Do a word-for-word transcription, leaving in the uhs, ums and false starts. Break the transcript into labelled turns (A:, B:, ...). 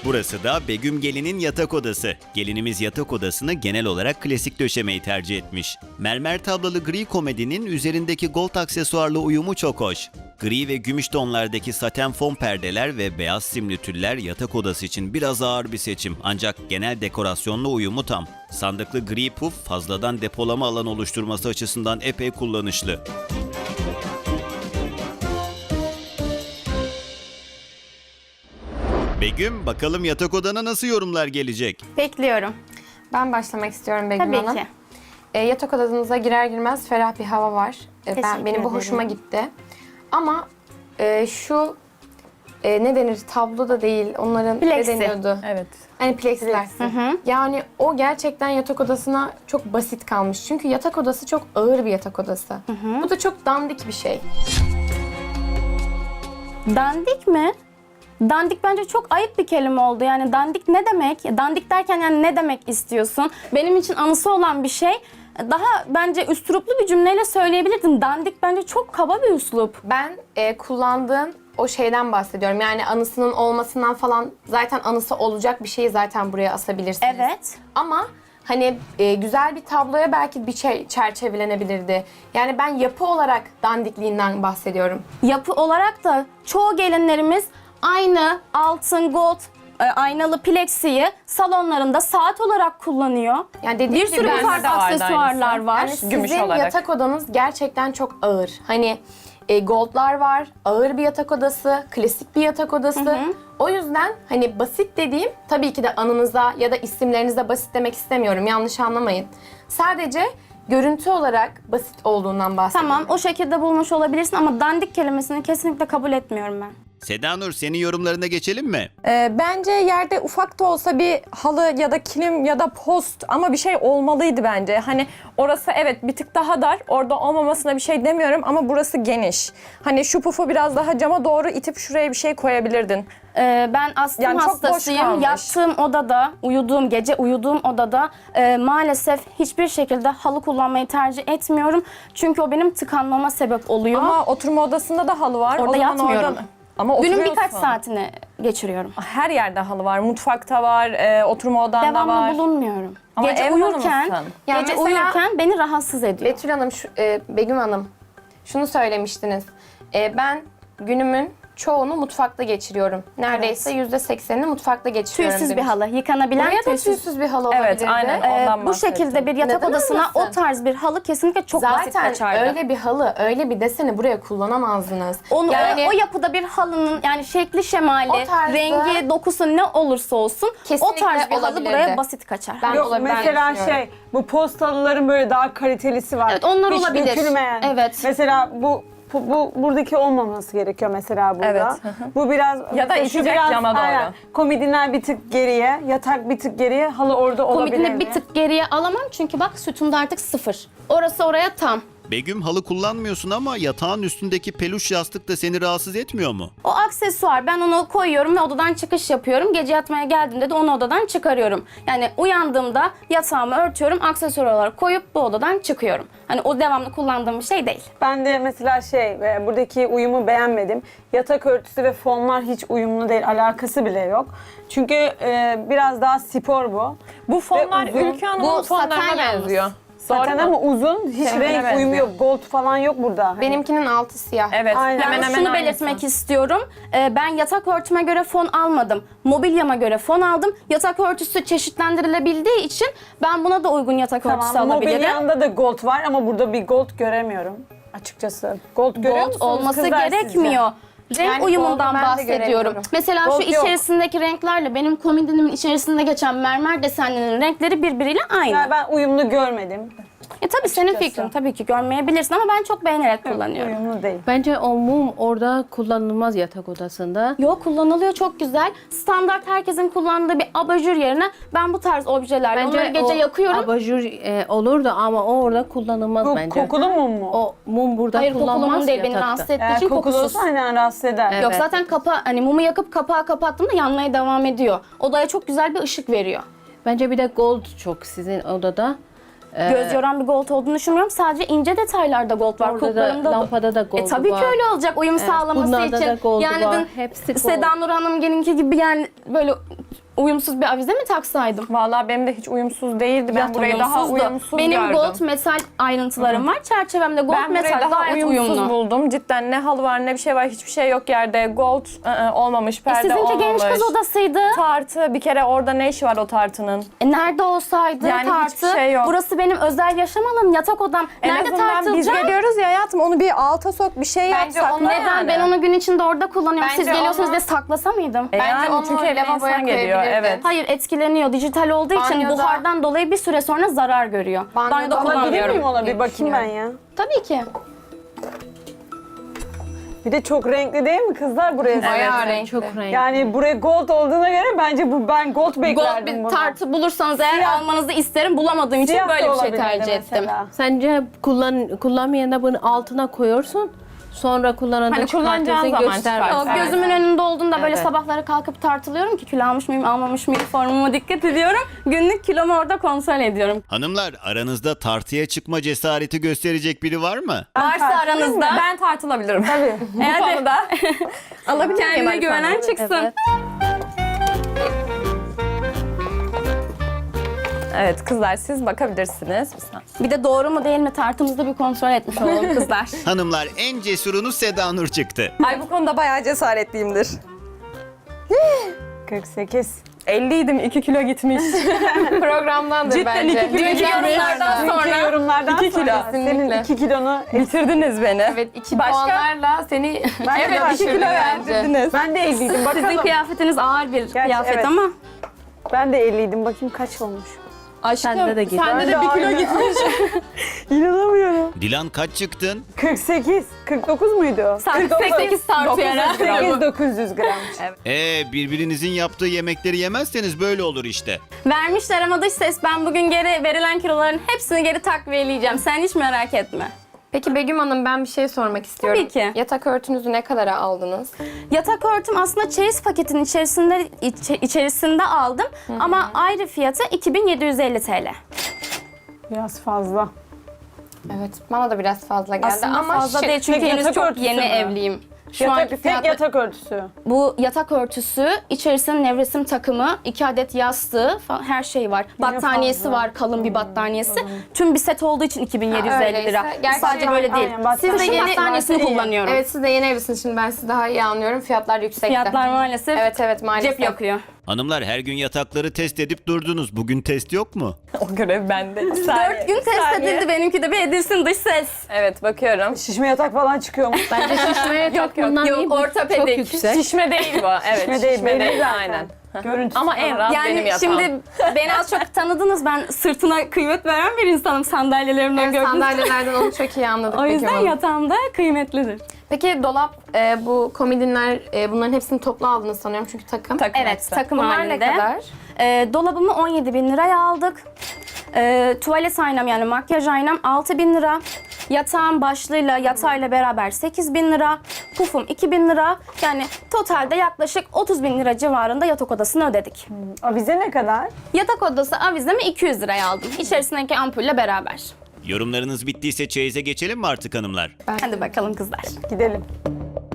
A: Burası da Begüm Gelin'in yatak odası. Gelinimiz yatak odasını genel olarak klasik döşemeyi tercih etmiş. Mermer tablalı gri komedinin üzerindeki gold aksesuarlı uyumu çok hoş. Gri ve gümüş tonlardaki saten fon perdeler ve beyaz simli tüller yatak odası için biraz ağır bir seçim. Ancak genel dekorasyonla uyumu tam. Sandıklı gri puf fazladan depolama alanı oluşturması açısından epey kullanışlı. Begüm, bakalım yatak odana nasıl yorumlar gelecek?
B: Bekliyorum.
C: Ben başlamak istiyorum Begüm
B: Tabii
C: Hanım.
B: ki.
C: E, yatak odanıza girer girmez ferah bir hava var. E, ben
B: Teşekkür
C: Benim bu
B: ederim.
C: hoşuma gitti. Ama e, şu e, ne denir, tablo da değil, onların
B: Plexi.
C: ne deniyordu?
D: Evet.
C: Hani plexiler. Yani o gerçekten yatak odasına çok basit kalmış. Çünkü yatak odası çok ağır bir yatak odası. Bu da çok dandik bir şey.
B: Dandik mi? Dandik bence çok ayıp bir kelime oldu. Yani dandik ne demek? Dandik derken yani ne demek istiyorsun? Benim için anısı olan bir şey. Daha bence üsluplu bir cümleyle söyleyebilirdin. Dandik bence çok kaba bir üslup.
C: Ben e, kullandığım o şeyden bahsediyorum. Yani anısının olmasından falan, zaten anısı olacak bir şeyi zaten buraya asabilirsiniz.
B: Evet.
C: Ama hani e, güzel bir tabloya belki bir şey çerçevelenebilirdi. Yani ben yapı olarak dandikliğinden bahsediyorum.
B: Yapı olarak da çoğu gelinlerimiz aynı altın, gold, e, aynalı plexiyi salonlarında saat olarak kullanıyor.
C: Yani dediğim
B: Bir
C: gibi
B: sürü
C: bende
B: farklı
D: de vardı
B: aksesuarlar
D: aynısı.
B: var.
C: Yani sizin
D: Gümüş olarak.
C: yatak odanız gerçekten çok ağır. Hani e, goldlar var, ağır bir yatak odası, klasik bir yatak odası. O yüzden hani basit dediğim, tabii ki de anınıza ya da isimlerinize basit demek istemiyorum, yanlış anlamayın. Sadece görüntü olarak basit olduğundan bahsediyorum.
B: Tamam, o şekilde bulmuş olabilirsin ama dandik kelimesini kesinlikle kabul etmiyorum ben.
A: Seda Nur, senin yorumlarına geçelim mi?
D: Ee, bence yerde ufak da olsa bir halı ya da kilim ya da post ama bir şey olmalıydı bence. Hani orası evet bir tık daha dar. Orada olmamasına bir şey demiyorum ama burası geniş. Hani şu pufu biraz daha cama doğru itip şuraya bir şey koyabilirdin.
B: Ee, ben astım
D: Yani çok boş
B: hastasıyım.
D: kalmış.
B: Yattığım odada, uyuduğum, gece uyuduğum odada e, maalesef hiçbir şekilde halı kullanmayı tercih etmiyorum. Çünkü o benim tıkanmama sebep oluyor.
D: Ama oturma odasında da halı var.
B: Orada
D: O zaman
B: yatmıyorum.
D: orada- Ama
B: Günün
D: oturuyorsun.
B: birkaç saatini geçiriyorum.
D: Her yerde halı var. Mutfakta var, e, oturma odanda
B: Devamlı
D: var.
B: bulunmuyorum.
D: Ama
B: gece
D: ev
B: uyurken,
D: hanımısın.
C: Ya
B: gece
C: mesela-
B: uyurken beni rahatsız ediyor.
C: Betül Hanım, şu, e, Begüm Hanım, şunu söylemiştiniz. E, ben günümün çoğunu mutfakta geçiriyorum. Neredeyse yüzde seksenini mutfakta geçiriyorum.
B: Tüysüz bir
C: demiş.
B: halı, yıkanabilen
C: Buraya da
B: tüysüz.
C: tüysüz bir halı
D: Evet,
C: olabilirdi.
D: aynen.
B: Ee,
D: Ondan
B: bu
D: bahsettim.
B: şekilde bir yatak
C: Neden
B: odasına
C: olmasın?
B: o tarz bir halı kesinlikle çok basit
C: Zaten
B: kaçardı.
C: öyle bir halı, öyle bir deseni buraya kullanamazdınız.
B: Onu,
C: yani
B: o, o yapıda bir halının yani şekli, şemali,
C: O tarzda-
B: rengi, dokusu ne olursa olsun o
C: Kesinlikle
B: tarz bir halı
C: olabilirdi.
B: buraya basit kaçar.
C: Ben
E: Yok
C: olabilir
E: mesela
C: düşünüyorum.
E: şey bu postalıların böyle daha kalitelisi var.
B: Evet, onlar
E: Hiç
B: olabilir.
E: dökülmeyen.
B: Evet.
E: Mesela bu bu, bu buradaki olmaması gerekiyor mesela burada.
D: Evet, hı hı.
E: Bu biraz
D: Ya da
E: şu
D: itecek
E: biraz,
D: cama doğru.
E: aynen, komodinler bir tık geriye, yatak bir tık geriye, halı orada olabilir.
B: Komodini bir tık geriye alamam çünkü bak sütunda artık sıfır. Orası oraya tam.
A: Begüm, halı kullanmıyorsun ama yatağın üstündeki peluş yastık da seni rahatsız etmiyor mu?
B: O aksesuar, ben onu koyuyorum ve odadan çıkış yapıyorum. Gece yatmaya geldiğimde de onu odadan çıkarıyorum. Yani uyandığımda yatağımı örtüyorum, aksesuar olarak koyup bu odadan çıkıyorum. Hani o devamlı kullandığım bir şey değil.
E: Ben de mesela şey e, buradaki uyumu beğenmedim. Yatak örtüsü ve fonlar hiç uyumlu değil, alakası bile yok. Çünkü e, biraz daha spor bu.
D: Bu fonlar
E: Ve uzun.
D: Ülkü Hanım'ın
B: Bu saten
D: fonlarına
B: yalnız.
D: benziyor.
E: Zaten ama uzun, hiç
D: Seninkine
E: renk
D: benziyor.
E: uyumu yok, gold falan yok burada. Hani
C: Benimkinin altı siyah.
D: Evet,
E: Aynen.
D: hemen
B: Yalnız
D: hemen
B: şunu
D: aynısı.
B: belirtmek istiyorum. Ee, ben yatak örtüme göre fon almadım. Mobilyama göre fon aldım. Yatak örtüsü çeşitlendirilebildiği için ben buna da uygun yatak örtüsü
E: Tamam,
B: alabilirim.
E: mobilyanda da gold var ama burada bir gold göremiyorum açıkçası. Gold görüyor
B: Gold
E: musunuz
B: olması
E: kızlar sizce?
B: gerekmiyor. Renk
C: Yani
B: uyumundan
C: gold'u ben de
B: bahsediyorum.
C: göremiyorum.
B: Mesela
E: Gold
B: şu
E: yok.
B: içerisindeki renklerle benim komodinimin içerisinde geçen mermer desenlerinin renkleri birbiriyle aynı.
E: Yani ben uyumlu görmedim.
B: E tabii senin
E: Açıkçası.
B: fikrin, tabii ki görmeyebilirsin ama ben çok beğenerek kullanıyorum.
E: Uyumlu değil.
F: Bence o mum orada kullanılmaz yatak odasında.
B: Yok, kullanılıyor, çok güzel. Standart herkesin kullandığı bir abajur yerine ben bu tarz objelerle onları gece
F: o
B: yakıyorum.
F: abajur e, olurdu ama o orada kullanılmaz
E: Bu
F: bence.
E: kokulu mum mu?
F: O mum burada
B: Hayır, kokulu
F: kullanılmaz
B: mum değil, beni
F: yatakta.
B: rahatsız ettiği
E: Eğer
B: için
E: kokulu
B: kokusuz.
E: olsa aynen rahatsız eder.
F: Evet.
B: Yok, zaten kapa hani mumu yakıp kapağı kapattığımda yanmaya devam ediyor. Odaya çok güzel bir ışık veriyor.
F: Bence bir de gold çok sizin odada. Ee,
B: Göz yoran bir gold olduğunu düşünmüyorum. Sadece ince detaylarda gold var.
F: Orada da,
B: Kulplarında da-
F: lampada da gold
B: E tabii
F: var.
B: ki öyle olacak uyum sağlaması
F: bunlarda
B: için.
F: da gold
B: yani
F: var.
B: dün
F: Hepsi gold.
B: Seda Nur Hanım'ınki gibi yani böyle uyumsuz bir avize mi taksaydım?
D: Vallahi benim de hiç uyumsuz değildi. Ben
B: Biraz
D: burayı daha
B: uyumsuzdu.
D: uyumsuz
B: Benim
D: gördüm.
B: gold metal ayrıntılarım var. Çerçevemde gold
D: Ben burayı
B: metal
D: daha
B: gayet
D: uyumsuz
B: uyumlu.
D: buldum. Cidden ne halı var ne bir şey var. Hiçbir şey yok yerde. Gold ı-ı, olmamış,
B: E,
D: perde
B: sizinki
D: olmamış.
B: genç kız odasıydı.
D: Tartı bir kere orada ne işi var o tartının?
B: E, nerede olsaydı
D: Yani
B: tartı?
D: hiçbir şey yok.
B: Burası benim özel yaşam alanım, yatak odam.
D: En
B: Nerede
D: azından biz
B: tartılacak?
D: geliyoruz ya hayatım onu bir alta sok bir şey
C: Bence
D: yap sakla
C: onu-
B: Neden?
D: yani.
B: Ben onu gün içinde orada kullanıyorum.
C: Bence
B: Siz geliyorsunuz
C: onu-
B: diye saklasa mıydım?
D: E
C: Bence
D: yani
C: onu
D: çünkü eve
C: lavaboya
D: insan geliyor.
C: koyabilirdin.
D: Evet.
B: Hayır, etkileniyor. Dijital olduğu için
C: Banyoda-
B: buhardan dolayı bir süre sonra zarar görüyor.
C: Banyoda
B: Banyoda
C: olabilir
E: Alabilir
B: kullanmıyorum.
E: miyim ona bir
C: diye
E: bakayım ben ya?
B: Tabii ki.
E: Bir de çok renkli değil mi kızlar buraya?
C: Bayağı renkli.
F: Çok renkli.
E: Yani buraya gold olduğuna göre bence bu ben gold
B: Gold
E: beklerdim
B: bir
E: bunu.
B: tartı bulursanız eğer
E: Siyah.
B: almanızı isterim. Bulamadığım için
E: Siyah da
B: böyle bir şey
E: olabilirdi
B: tercih ettim.
E: mesela.
F: Sence kullan kullanmayan da bunu altına koyuyorsun. Sonra kullananda
D: Hani kullanacağın
F: çıkartıyorsun
D: zaman
F: göstermez.
D: çıkart.
B: Yok,
D: Evet.
B: gözümün önünde olduğunda böyle
F: Evet.
B: sabahları kalkıp tartılıyorum ki kilo almış mıyım, almamış mıyım, formuma dikkat ediyorum. Günlük kilomu orada kontrol ediyorum.
A: Hanımlar, aranızda tartıya çıkma cesareti gösterecek biri var mı?
B: Varsa aranızda
D: Ben tartılabilirim.
E: Tabii.
D: Bu konuda. Alabilir miyim
B: kendine
D: Arif
B: güvenen
D: Hanım?
B: çıksın.
F: Evet.
D: Evet kızlar siz bakabilirsiniz. Bir saniye.
B: Bir de doğru mu değil mi tartımızda bir kontrol etmiş olalım kızlar.
A: Hanımlar, en cesurunuz Seda Nur çıktı.
D: Ay bu konuda bayağı cesaretliyimdir.
E: kırk sekiz.
D: elliydim iki kilo gitmiş.
C: Programdandır
D: Cidden
C: bence.
D: iki kilo
C: Dünkü
D: gitmiş.
C: yorumlardan
E: Dünkü
C: sonra.
E: yorumlardan
D: İki kilo.
E: sonra senin
C: Kesinlikle.
E: iki kilonu
D: Bitirdiniz beni.
C: Evet, iki
D: Başka?
C: puanlarla seni
E: Ben de
C: evet
E: başka
D: iki
C: düşürdü
D: kilo
C: bence.
D: verdiniz.
E: ben de elliydim bakalım.
B: Sizin kıyafetiniz ağır bir kıyafet
E: evet.
B: ama
E: Ben de elliydim bakayım kaç olmuş.
D: Aşkım
F: Sende de git.
D: sende
E: Ben
D: de
E: de
D: bir kilo
E: aynı.
D: gitmiş.
E: İnanamıyorum.
A: Dilan kaç çıktın?
E: kırk sekiz. kırk dokuz muydu?
B: kırk sekiz tartıyor herhalde.
E: sekiz dokuz yüz gram.
A: Ee, birbirinizin yaptığı yemekleri yemezseniz böyle olur işte.
B: Vermişler ama dış ses, ben bugün geri verilen kiloların hepsini geri takviyeleyeceğim. Sen hiç merak etme.
C: Peki Begüm Hanım, ben bir şey sormak istiyorum.
B: Tabii ki.
C: Yatak örtünüzü ne kadara aldınız?
B: Yatak örtüm aslında çeyiz paketinin içerisinde içe- içerisinde aldım ama ayrı fiyatı iki bin yedi yüz elli TL.
E: Biraz fazla.
C: Evet, bana da biraz fazla geldi
B: Aslında
C: ama
B: fazla
C: şık.
B: değil çünkü
E: Tek
B: henüz
E: yatak
B: çok
E: örtüsü
B: yeni
E: mü?
B: evliyim. Şu
E: Yatak,
B: anki
E: tek
B: fiyatla
E: yatak örtüsü.
B: bu yatak örtüsü, içerisinde nevresim takımı, iki adet yastığı falan her şey var. Battaniyesi
E: fazla.
B: var, kalın bir battaniyesi. Tüm bir set olduğu için iki bin yedi yüz elli lira.
C: Öyleyse, gerçi
B: Sadece böyle değil.
E: aynen,
B: Siz de
E: battaniye
B: yeni
E: varsa
B: battaniyesini
E: iyi.
B: kullanıyorum.
C: Evet, siz de yeni evlisiniz, şimdi ben sizi daha iyi anlıyorum. Fiyatlar yüksekte.
B: Fiyatlar maalesef
C: Evet evet maalesef.
B: cep yakıyor.
A: Hanımlar, her gün yatakları test edip durdunuz. Bugün test yok mu?
D: O görev bende. Bir saniye,
B: Dört gün
D: bir
B: test
D: saniye.
B: edildi, benimki de bir edilsin dış ses.
D: Evet bakıyorum.
E: Şişme yatak falan çıkıyor mu?
F: Bence şişmeye çok
D: yok,
F: bundan
B: yok,
F: iyi. Bu
B: ortopedik.
F: Çok yüksek.
D: Şişme değil bu. Evet
E: Şişme değil, belli zaten.
D: Aynen.
E: Görüntüsü
D: Ama en
E: falan.
D: rahat benim
B: Yani
D: yatağım.
B: şimdi beni az çok tanıdınız. Ben sırtına kıymet veren bir insanım, sandalyelerimden
C: Evet,
B: gördünüz.
C: sandalyelerden onu çok iyi anladık
B: O
C: Begüm
B: yüzden
C: Hanım.
B: yatağım da kıymetlidir.
C: Peki dolap, e, bu komodinler, e, bunların hepsini toplu aldınız sanıyorum çünkü takım.
D: Takım
B: Evet,
D: hepsi.
B: takım
C: Bunlar
B: halinde.
C: ne kadar?
B: Ee, dolabımı on yedi bin liraya aldık. Ee, tuvalet aynam yani makyaj aynam altı bin lira. Yatağım başlığıyla yatağıyla beraber sekiz bin lira. Pufum iki bin lira. Yani totalde yaklaşık otuz bin lira civarında yatak odasını ödedik.
E: Avize ne kadar?
B: Yatak odası avizemi iki yüz liraya aldım. İçerisindeki ampulle beraber.
A: Yorumlarınız bittiyse çeyize geçelim mi artık hanımlar?
B: Hadi bakalım kızlar.
E: Gidelim.